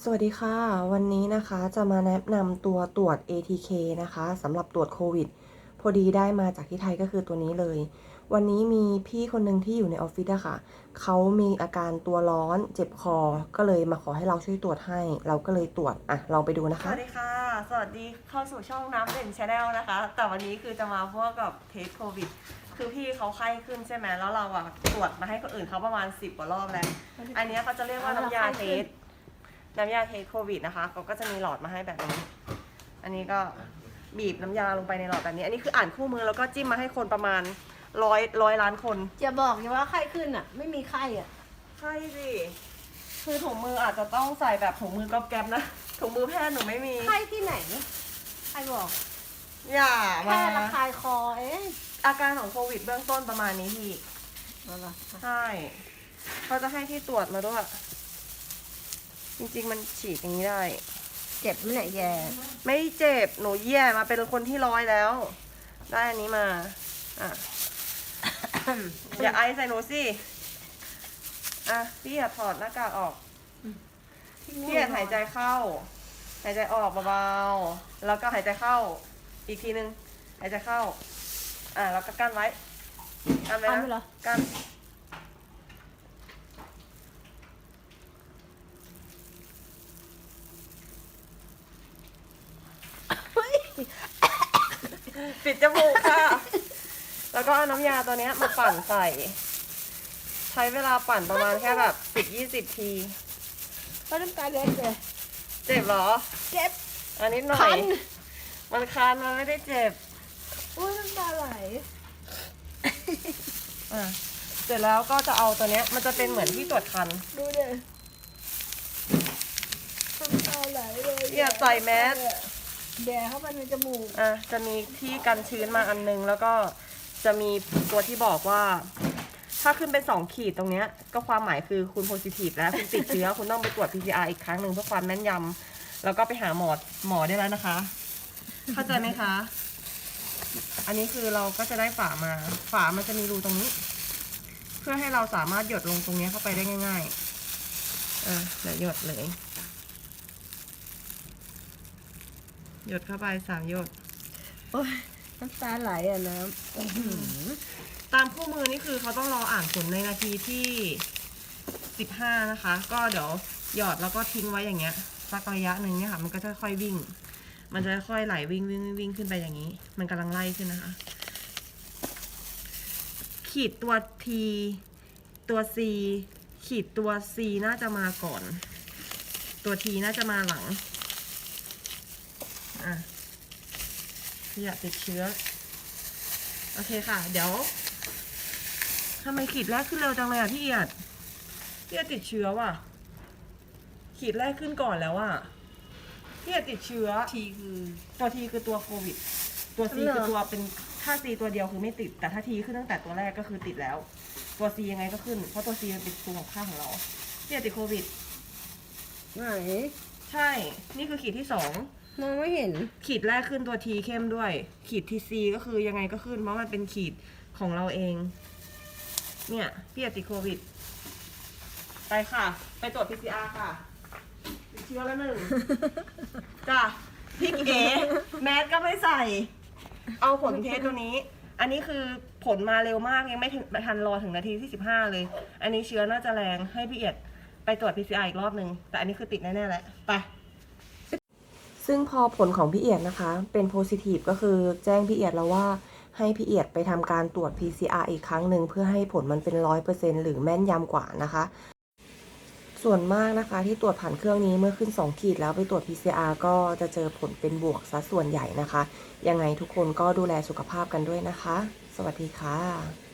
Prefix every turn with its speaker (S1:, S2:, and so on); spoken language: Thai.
S1: สวัสดีค่ะวันนี้นะคะจะมาแนะนำตัวตรวจ ATK นะคะสำหรับตรวจโควิดพอดีได้มาจากที่ไทยก็คือตัวนี้เลยวันนี้มีพี่คนหนึ่งที่อยู่ในออฟฟิศอะค่ะเขามีอาการตัวร้อนเจ็บคอก็เลยมาขอให้เราช่วยตรวจให้เราก็เลยตรวจลองไปดูนะ
S2: ส
S1: คะ
S2: วัสดีค่ะ สวัสดีเข้าสู่ช่องน้ำเด่นชาแนลนะคะ แต่วันนี้คือจะมาพวกกับเทสโควิด คือพี่เขาไข้ขึ้นใช่ไหมแล้วเราอะตรวจมาให้คนอื่นเขาประมาณ10 กว่ารอบแล้ว อันนี้เขาจะเรียกว่าน้ำยาเทสโควิดนะคะเขาก็จะมีหลอดมาให้แบบนี้ อันนี้ก็บีบน้ำยาลงไปในหลอดแบบนี้ อันนี้คืออ่านคู่มือแล้วก็จิ้มมาให้คนประมาณร้อยล้านคน
S3: จะบอกอย่าว่าไข้ขึ้นอ่ะ ไม่มีไข้อ่ะ
S2: ใช่สิ คือถุงมืออาจจะต้องใส่แบบถุงมือกอบแก๊บนะ ถุงมือแพทย์หนูไม่มี
S3: ไข้ที่ไหนใครบอก
S2: อย่ามา
S3: แค่ระคายคอเอง
S2: อาการของโควิดเบื้องต้นประมาณนี้พี่
S3: เอาล่ะ
S2: ใช่เขาจะให้ที่ตรวจมาด้วย จริงๆมันฉีดอย่างนี้ได้
S3: เจ็บไหมเนี่ยแย่
S2: ไม่เจ็บ หนูแย่มาเป็นคนที่100แล้ว ได้อันนี้มา อ่ะ อย่าไอใส่หนูสิ อ่ะ พี่อย่าถอดหน้ากากออก พี่อย่าหายใจเข้า หายใจออกเบาๆ แล้วก็หายใจเข้า อีกทีนึง หายใจเข้า แล้วก็กั้นไว้ กั้นไว้นะกั้น ปิดจมูกค่ะ แล้วก็เอาน้ำยาตัวนี้มาปั่นใส่ ใช้เวลาปั่นประมาณแค่แบบ10-20 ที
S3: ก็น้ำตาเล็ดเลย
S2: เจ็บเหรอ
S3: เจ็บ
S2: อันนี้หน่อ
S3: คั
S2: ย
S3: น
S2: มันคันมันไม่ได้เจ็บ
S3: อุ้ยน้ำตาไหล
S2: เสร็จแล้วก็จะเอาตัวเนี้ยมันจะเป็นเหมือนที่ตรวจคัน
S3: ดูดิน้ำตาไหลเลย
S2: อย่าใส่แมส
S3: แย่เข้าไปในจมูก
S2: จะมีที่กันชื้นมาอันนึง แล้วก็จะมีตัวที่บอกว่า ถ้าขึ้นเป็น2 ขีดตรงเนี้ยก็ความหมายคือคุณโพซิทีฟแล้วคุณติดเชื้อ คุณต้องไปตรวจ PCR อีกครั้งหนึ่งเพื่อความแม่นยำแล้วก็ไปหาหมอได้แล้วนะคะ เข้าใจไหมคะ อันนี้คือเราก็จะได้ฝามา ฝามันจะมีรูตรงนี้ เพื่อให้เราสามารถหยดลงตรงนี้เข้าไปได้ง่ายๆเดี๋ยวหยดเลย หยดเข้าไป3 หยด
S3: โอ้ยน้ำตาไหลอ่ะน้
S2: ตามคู่มือนี่คือเขาต้องรออ่านผลในนาทีที่15นะคะ ก็เดี๋ยวหยอดแล้วก็ทิ้งไว้อย่างเงี้ยสักระยะหนึ่งเนี่ยค่ะ มันก็จะค่อยวิ่ง มันจะค่อยไหลวิ่งขึ้นไปอย่างนี้ มันกำลังไล่ขึ้นนะคะ ขีดตัว T ตัว C ขีดตัว C น่าจะมาก่อน ตัว T น่าจะมาหลังอย่าติดเชื้อโอเคค่ะ เดี๋ยวทำไมขีดแรกขึ้นเร็วจังเลยพี่เอียดติดเชื้อว่ะขีดแรกขึ้นก่อนแล้วอ่ะพี่เอียดติดเชื้อ
S3: ทีคือ
S2: ตัว T คือตัวโควิด ตัว C คือตัวเป็นถ้า C ตัวเดียวคือไม่ติดแต่ถ้า T ขึ้นตั้งแต่ตัวแรกก็คือติดแล้ว ตัว C ยังไงก็ขึ้นเพราะตัว C มันเป็นตัวของข้างของเราพี่เอียดติดโควิด
S3: ไหน
S2: ใช่นี่คือขีดที่2
S3: มองไม่เห็น
S2: ขีดแรกขึ้นตัว T เข้มด้วย ขีด TC ก็คือยังไงก็ขึ้นเพราะมันเป็นขีดของเราเอง เนี่ยพี่ติดโควิด ไปค่ะ ไปตรวจ PCR ค่ะติดเชื้อแล้ว1 จ้ะพี่เก๋แมสก็ไม่ใส่ เอาผลเทสตัวนี้ อันนี้คือผลมาเร็วมากยังไม่ทันรอถึงนาทีที่15เลยอันนี้เชื้อน่าจะแรงให้พี่เอียดไปตรวจ PCR อีกรอบนึงแต่อันนี้คือติดแน่ๆแหละไป
S1: ซึ่งพอผลของพี่เอียดนะคะเป็นโพซิทีฟก็คือแจ้งพี่เอียดแล้วว่าให้พี่เอียดไปทำการตรวจ PCR อีกครั้งหนึ่งเพื่อให้ผลมันเป็น100%หรือแม่นยำกว่านะคะ ส่วนมากนะคะที่ตรวจผ่านเครื่องนี้เมื่อขึ้น2 ขีดแล้วไปตรวจ PCR ก็จะเจอผลเป็นบวกซะส่วนใหญ่นะคะยังไงทุกคนก็ดูแลสุขภาพกันด้วยนะคะสวัสดีค่ะ